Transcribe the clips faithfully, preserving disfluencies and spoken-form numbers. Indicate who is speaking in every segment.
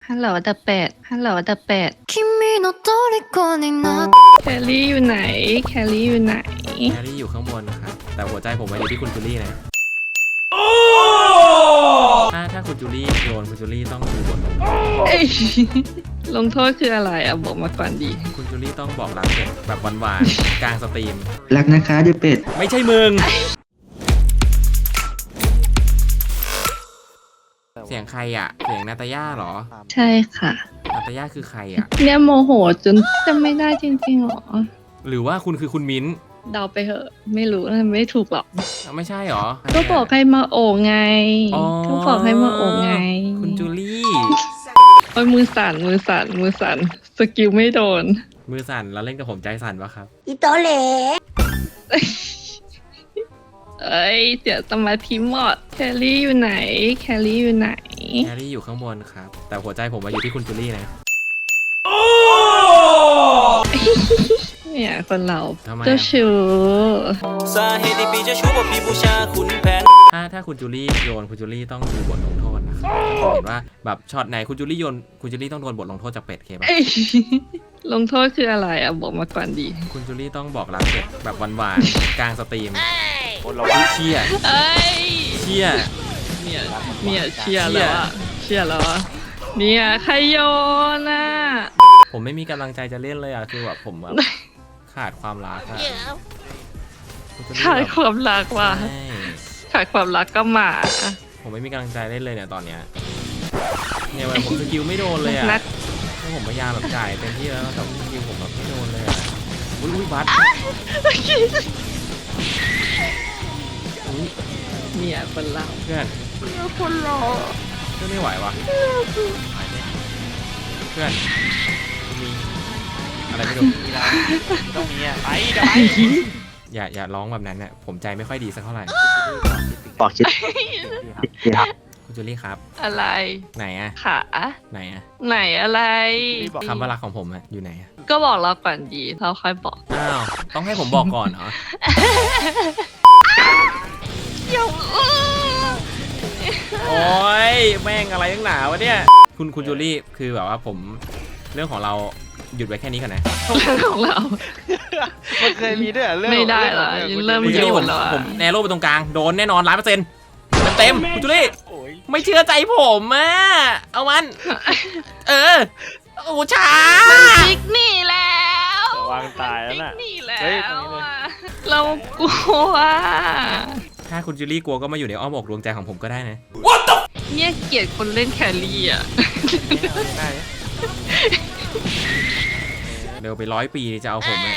Speaker 1: ฮัลโหลเดอะเป็ดฮัลโหลเดอะเป็ด
Speaker 2: 君の虜になっ
Speaker 1: แคลรี่อยู่ไหนแคลรี่อยู่ไหน
Speaker 3: แครี่อยู่ข้างบนครับแต่หัวใจผมมาอยู่ที่คุณจูลี่นะถ้าถ้าคุณจูลี่โยนคุณจูลี่ต้องดูบทลงโทษ
Speaker 1: เอ้ยลงโทษคืออะไรอ่ะบอกมาก่อนดี
Speaker 3: คุณจูลี่ต้องบอกรักเด็กแบบหวานๆกลางสตรีม
Speaker 4: รักนะคะเดเป็ด
Speaker 3: ไม่ใช่มึงเสียงใครอ่ะเสียงนาตาย่าเหรอ
Speaker 1: ใช่ค่ะ
Speaker 3: นาตาย่าคือใครอ่ะ
Speaker 1: เนี่ยโมโหจนจำไม่ได้จริงๆหรอ
Speaker 3: หรือว่าคุณคือคุณมิ้นท์
Speaker 1: เดาไปเหอะไม่รู้นะไม่ถูกหรอก
Speaker 3: ไม่ใช่หรอ
Speaker 1: ก็บอกให้มาโอบไงก็บอกให้มาโอบไง
Speaker 3: คุณจูลี่
Speaker 1: โอ้ยมือสั่นมือสั่นมือสั่นสกิลไม่โดน
Speaker 3: มือสั่นแล้วเล่นกับผมใจสั่นปะครับ
Speaker 2: อีโตเหล่
Speaker 1: เอ้ยเดี๋ยวสมาธิหมดแคลรี่อยู่ไหนแคลรี่อยู่ไหน
Speaker 3: แครี่อยู่ข้างบนครับแต่หัวใจผมมาอยู่ที่คุณจูลี่นะ
Speaker 1: เนี่ยคนเราเจ้าชู้
Speaker 3: สาเหตุที่ปีจะชู้เพราะพี่บูชาคุณแผนถ้าถ้าคุณจูลี่โยนคุณจูลี่ต้องดูบทลงโทษนะครับเห็นว่าแบบช็อตไหนคุณจูลี่โยนคุณจูลี่ต้องโดนบทลงโทษจากเป็ดเคป่ะ
Speaker 1: ลงโทษคืออะไรอ่ะบอกมาก่อนดี
Speaker 3: คุณจูลี่ต้องบอกรักเป็ดแบบหวานๆกลางสตรีมเราเชียร์
Speaker 1: เอ้ย
Speaker 3: เชียร์
Speaker 1: เนี่ยเนี่ยเชียร์แล้วอ่ะเชียร์แล้วอ่ะเนี่ยใครโยนอ่ะ
Speaker 3: ผมไม่มีกำลังใจจะเล่นเลยอ่ะคือแบบผมแบบขาดความรักอะ
Speaker 1: ขาดความรักว่ะขาดความรักก็มา
Speaker 3: ผมไม่มีกำลังใจเล่นเลยเนี่ยตอนเนี้ยเนี่ยวันผมสกิลไม่โดนเลยอ่ะถ้าผมพยายามแบบจ่ายเต็มที่แล้วแต่สกิลผมแบบไม่โดนเลยอ่ะอุ้ยอุ้ยบัส
Speaker 1: เนี่ยคนเรา
Speaker 3: เพื่อน
Speaker 1: คนเรา
Speaker 3: เพื่อนไม่ไหววะเพื่อนมีอะไรไม่รู้
Speaker 5: ต้องมีอ่ะไปเดี๋ยวไป
Speaker 3: อย่าอย่าร้องแบบนั้นเนี่ยผมใจไม่ค่อยดีสักเท่าไหร่
Speaker 4: บอกชิดครับ
Speaker 3: คุณจูลี่ครับ
Speaker 1: อะไร
Speaker 3: ไหนอะ
Speaker 1: ขา
Speaker 3: ไหนอะ
Speaker 1: ไหนอะไร
Speaker 3: คำว่ารักของผมอะอยู่ไหนอะ
Speaker 1: ก็บอกเราก่อนดีเราค่อยบอก
Speaker 3: อ้าวต้องให้ผมบอกก่อนเหรอโอ้ยแม่งอะไรตั้งหนาวะเนี่ยคุณคุณจูลี่คือแบบว่าผมเรื่องของเราหยุดไว้แค่นี้ก่อนนะ
Speaker 1: เรื่องของเรา
Speaker 5: มันเคยมีด้วยเรื่อง
Speaker 1: ไม่ได้เหรอเริ่มโยนแล้ว
Speaker 3: ผมแนโร่ไปตรงกลางโดนแน่นอนร้อยเปอร์เซ็นต์เต็มคุณจูลี่ไม่เชื่อใจผมอ่ะเอามันเออโอ้ช้า
Speaker 1: มันจิกหนีแล้ว
Speaker 5: วางตายแล้วน่ะ
Speaker 1: หนีแล้วเรากลัว
Speaker 3: ถ้าคุณจูลี่กลัวก็มาอยู่ในอ้อมอกดวงใจของผมก็ได้นะ
Speaker 1: เนี่ยเกลียดคนเล่นแครี่อ่ะ
Speaker 3: เร็วไปร้อยปีจะเอาผม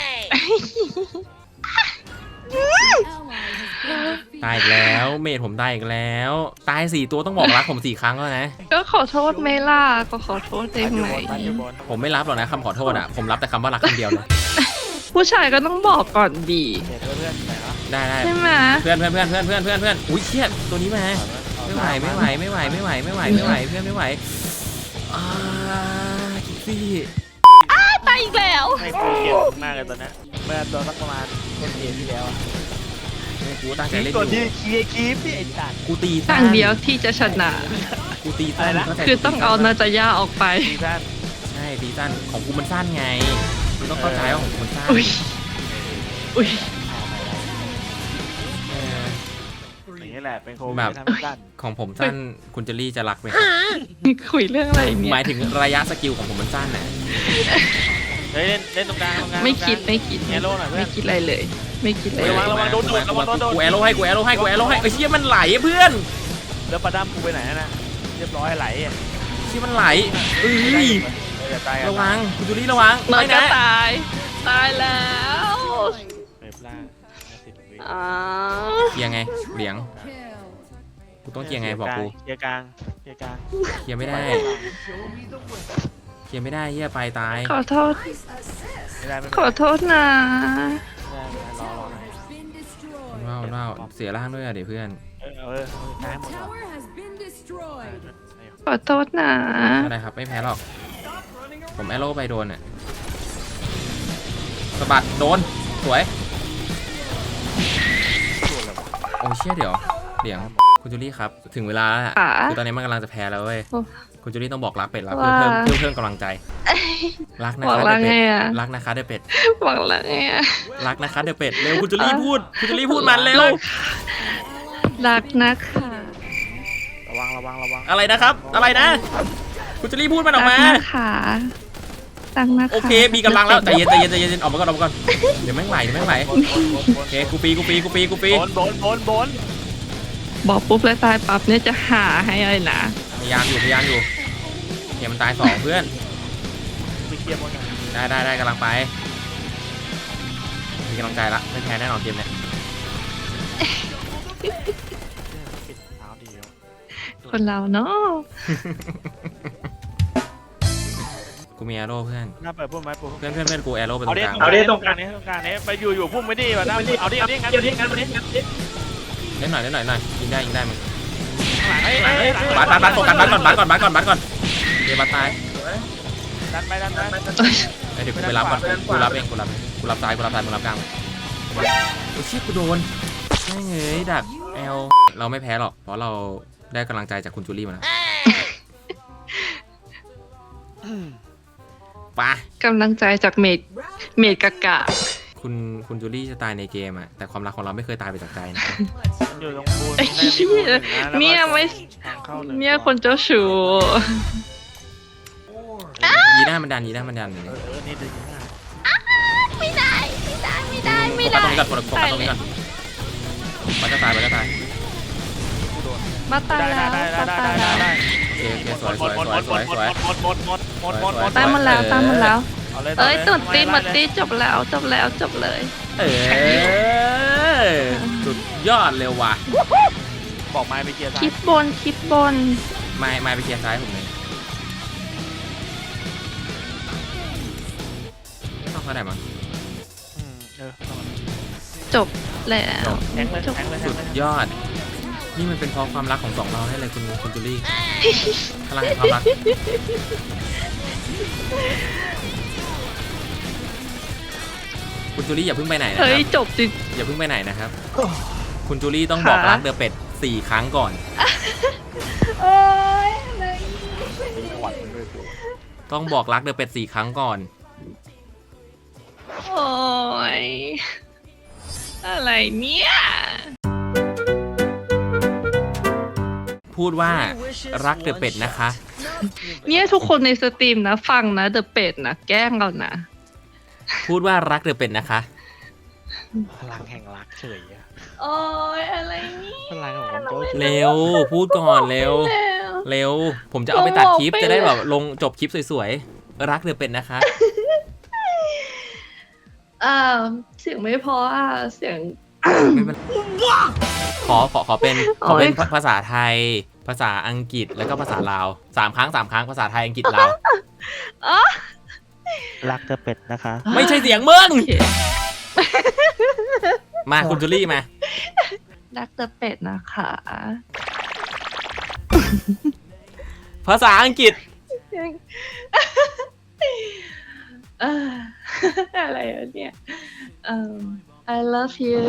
Speaker 3: ตายอีกแล้วเมดผมตายอีกแล้วตายสี่ตัวต้องบอกรักผมสี่ครั้งแล้วนะ
Speaker 1: ก็ขอโทษเมล่าก็ขอโทษได้ไหม
Speaker 3: ผมไม่รับหรอกนะคำขอโทษอ่ะผมรับแต่คำว่ารักคำเดียวเลย
Speaker 1: ผู้ชายก็ต้องบอกก่อนดี
Speaker 3: ได้ได้
Speaker 1: ใช่ไหม
Speaker 3: เพื่อนเพื่อนเพื่อนเพื่อนเพื่อนเพื่อนเพื่อนอุ้ยเครียดตัวนี้มาไม่ไหวไม่ไหวไม่ไหวไม่ไหวไม่ไหวไม่ไหวเพื่อนไม่ไหวอ่าคิดสิ
Speaker 1: ตายอีกแล้ว
Speaker 5: ไม่กูเกลียดมากเลยตอนนี้เมื่อตอนสักประมาณต้นเดือนที่แล้วอ่ะ
Speaker 3: กูตั้งใจเล่นอยู่
Speaker 5: ตัวที่คีย์คีย์พี่ไอ้ตัน
Speaker 3: กูตี
Speaker 1: ตั้งเดียวที่จะชนะ
Speaker 3: กูตีสั้น
Speaker 1: คือต้องเอานาจายาออกไป
Speaker 5: ตีสั้น
Speaker 3: ใช่ตีสั้นของกูมันสั้นไงกูต้องเข้าใจว่าของกูมันสั้น
Speaker 1: อุ้ยอุ้ย
Speaker 5: อย่างนี้แหละเป็นโควิด
Speaker 3: แบบของผมสั้นคุณเจลลี่จะรักไหม
Speaker 1: คุยเรื่องอะไรเนี่ย
Speaker 3: หมายถึงระยะสกิลของผมมันสั้นน่ะ
Speaker 5: เล่นเล่นตรงกลางตรงกลาง
Speaker 1: ไม่คิดไม่คิดไม่คิดอะไรเลยไม่คิดอะไร
Speaker 5: ระวังระวังโดนโดนระวังโดนโดน
Speaker 3: กูแอโร่ให้กูแอโร่ให้กูแอโร่ให้ไอ้เชี่ยมันไหลเพื่อน
Speaker 5: แล้วปลาดั้มกูไปไหนนะเรียบร้อยไหล
Speaker 3: เชี่ยมันไหลเอ้ยระวังคุณจูลี่ระวัง
Speaker 1: ไม่นะตายตายแล้ว
Speaker 3: เกียร์ไงเหลียงกูต้องเกียร์ไงบอกกู
Speaker 5: เกียร์กลางเกียร์กลาง
Speaker 3: เกียร์ไม่ได้เกียร์ไม่ได้เฮียไปตาย
Speaker 1: ขอโทษขอโทษนะ
Speaker 3: ว้าวว้าวเสียร่างด้วยอะเดี๋ยวเพื่อน
Speaker 1: ขอโทษนะ
Speaker 3: อะไรครับไม่แพ้หรอกผมแอโร่ไปโดนอ่ะสะบัดโดนสวยโอ้เชี่ยเดี๋ยวเดี๋ยวคุณจูลี่ครับถึงเวลาแล้วคือตอนนี้มันกำลังจะแพ้แล้วเว้ยคุณจูลี่ต้องบอกรักเป็ดแล้วเพื่อเพิ่มเพื่อเพิ่มกำลังใจรักนะ
Speaker 1: บอก
Speaker 3: คะ
Speaker 1: รั
Speaker 3: เด
Speaker 1: ก
Speaker 3: อะ
Speaker 1: ไง
Speaker 3: เป็ด
Speaker 1: อะ
Speaker 3: รักนะคะเดอะเป็ด
Speaker 1: บอกรักไงอะ
Speaker 3: รักนะคะเดอะเป็ดเร็วคุณจูลี่พูดคุณจูลี่พูดมันเร็ว
Speaker 1: รักนะคะ
Speaker 5: ระวังระวังระวัง
Speaker 3: อะไรนะครับ อะไรนะ คุณจูลี่พูดมันออกมา
Speaker 1: รักนะคะรักนะคะ
Speaker 3: โอเคมีกำลังแล้วใจเย็นใจเย็นใจเย็นออกมาก่อนออกมาก่อนเดี๋ยวแม่งไหลเดี๋ยวแม่งไหลโอเคกูปีกูปีกูปีกูปี
Speaker 5: บนบนบนบน
Speaker 1: บอกปุ๊บแล้วตายปั๊บเนี่ยจะหาให้เลยนะ
Speaker 3: พยายามอยู่พยายามอยู่โอเคมันตายสองเพื่อน
Speaker 5: ไปเคลียร์บนกัน
Speaker 3: ได้ได้ได้กำลังไปมีกำลังใจละไม่แพ้แน่นอนเกมเนี้ย
Speaker 5: ปิดเท้าดีแล้ว
Speaker 1: คนเราเนาะ
Speaker 3: กูมีแอโร่เพื่อน
Speaker 5: หน้าเปิดพุ่มไหมพุ่ม
Speaker 3: เพื่อนเพื่อนเพื่อนกูแอโร่ไปตร
Speaker 5: เอา
Speaker 3: ง
Speaker 5: ดิ
Speaker 3: กลาง
Speaker 5: เอาดิตรงกลางนี้ตรงกลางนี้ไปอยู่อยู่พุ่มไม่ดีแบบนั้นเอาดิเอาดิงั้นเอาดิงั้นเอาดิงั้น
Speaker 3: เล่นหน่อยเล่นหน่อยหน่อยยิงได้ยิงได้มึง
Speaker 5: เฮ้ยเฮ้ย
Speaker 3: บัตบัตบัตโฟกัสบัตก่อนบัตก่อนบัตก่อนบัตก่อนเดี๋ยวบัตตาย
Speaker 5: ดันไปดันไป
Speaker 3: เอ้ยเดี๋ยวกูไปรับก่อนกูรับเองกูรับเองกูรับซ้ายกูรับซ้ายมึงรับกลางโอ้ชิกูโดนไม่เงยดักแอลเราไม่แพ้หรอกเพราะเราได้กำลังใจจากคุณจูลี่มาแล้วไป
Speaker 1: กำลังใจจากเมดเมดกะกะ
Speaker 3: คุณคุณจูลี่จะตายในเกมอะแต่ความรักของเราไม่เคยตายไปจากใจนะ
Speaker 5: มันอยู่ตรงบูน
Speaker 1: ไอ้เหี้ยเนี่ยไม่
Speaker 5: ทางเข้าหนึ่ง
Speaker 1: เนี่ยคนเจ้าชู้
Speaker 3: ยีน่ามันดันยีน่ามันดัน
Speaker 5: เออเออนี่ดึงง่าย
Speaker 2: ไม่ได้ไม่ได้ไม่ได้ไม่
Speaker 3: โฟกัส
Speaker 2: ได้
Speaker 3: ตรงนี้ก่อนโฟกัสตรงนี้ก่อนมันจะตายมันจะตาย
Speaker 5: กูโดน
Speaker 1: มาตาย
Speaker 5: ได้
Speaker 1: แล้ว
Speaker 5: ได้ได้
Speaker 1: มา
Speaker 5: ได้
Speaker 1: ตาย
Speaker 5: ได้
Speaker 1: แล้ว
Speaker 5: ได้
Speaker 3: โอเคโอเคสวยสวยสวยสวยสวย
Speaker 5: หมดหมดหมดหมดหมดหมดหมด
Speaker 1: ตายหมดแล้วตายหมดแล้ว
Speaker 5: เอาเลย
Speaker 1: เอ้ยตุดตีหมดตีจบแล้วจบแล้วจบเลย
Speaker 3: เออสุดยอดเร็วว่ะ
Speaker 5: บอกไม้ไปเคลียร์
Speaker 1: คลิปบนคลิปบน
Speaker 3: ไม่ไม่ไปเคลียร์ซ้ายผมเลยไม่ต้องเขาไหนมั้ง
Speaker 5: เออ
Speaker 1: จบแล้ว
Speaker 5: แทงเลย
Speaker 1: จบ
Speaker 5: แทงเลยแท
Speaker 3: สุ
Speaker 5: ง
Speaker 3: ด
Speaker 5: เลย
Speaker 3: ยอด นี่มันเป็นเพราะความรักของสองเราให้เลยคุณคุณจูลี่พลังแห่งความรักคุณจูลี่อย่าเพิ่งไปไหนนะค
Speaker 1: เฮ้ย
Speaker 3: รับ
Speaker 1: จบจริง
Speaker 3: อย่าเพิ่งไปไหนนะครับ คุณจูลี่ต้องบอก
Speaker 1: ค่ะ
Speaker 3: รักเดอะเป็ดสี่ครั้งก่อน
Speaker 1: โอ้ยอะไร
Speaker 5: จังหวัดมันด้วยกู
Speaker 3: ต้องบอกรักเดอะเป็ดสี่ครั้งก่อน
Speaker 1: โอ้ยอะไรเนี่ย
Speaker 3: พูดว่ารักเดอะเป็ดนะคะ
Speaker 1: เนี่ยทุกคนในสตรีมนะฟังนะเดอะเป็ดนะแกล้งเรานะ
Speaker 3: พูดว่ารักเดอะเป็ดนะคะ
Speaker 5: พลังแห่งรักเฉยอะ
Speaker 1: โอ้ยอะไรเนี่ย
Speaker 5: พลังของคนเจ้าชู้
Speaker 3: เร็ว พูดก่อนเร็ว
Speaker 1: แล้ว
Speaker 3: เร็ว ผมจะเอาไปตัดคลิป
Speaker 1: บอกไป
Speaker 3: จะได้แบบลงจบคลิปสวยๆ รักเดอะเป็ดนะคะ
Speaker 1: อ่าเสียงไม่พออ่ะเสียง
Speaker 3: ไม่เป็นขอขอขอเป็นขอเป็นภาษาไทย ภาษาอังกฤษแล้วก็ภาษาลาวสามครั้งสามครั้งภาษาไทยอังกฤษลาว
Speaker 5: รักเธอเป็ดนะคะ
Speaker 3: ไม่ใช่เสียงมึง
Speaker 1: โอเค
Speaker 3: มาคุณจูลี่มา
Speaker 1: รักเดอะเป็ดนะคะ
Speaker 3: ภาษาอังกฤษ
Speaker 1: เอ่ออะไรวะเนี่ยเอ่อ I love you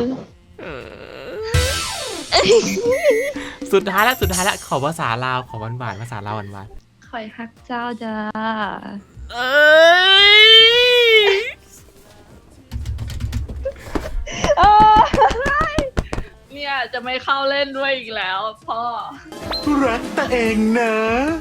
Speaker 3: สุดท้ายแล้วสุดท้ายแล้วขอภาษาลาวขอหวานหวานๆภาษาลาวหวานหวาน
Speaker 1: คอยฮักเจ้าจ้า
Speaker 3: ๆเอ้ย
Speaker 1: เนี่ยจะไม่เข้าเล่นด้วยอีกแล้วพ่อ
Speaker 6: รักตัวเองนะ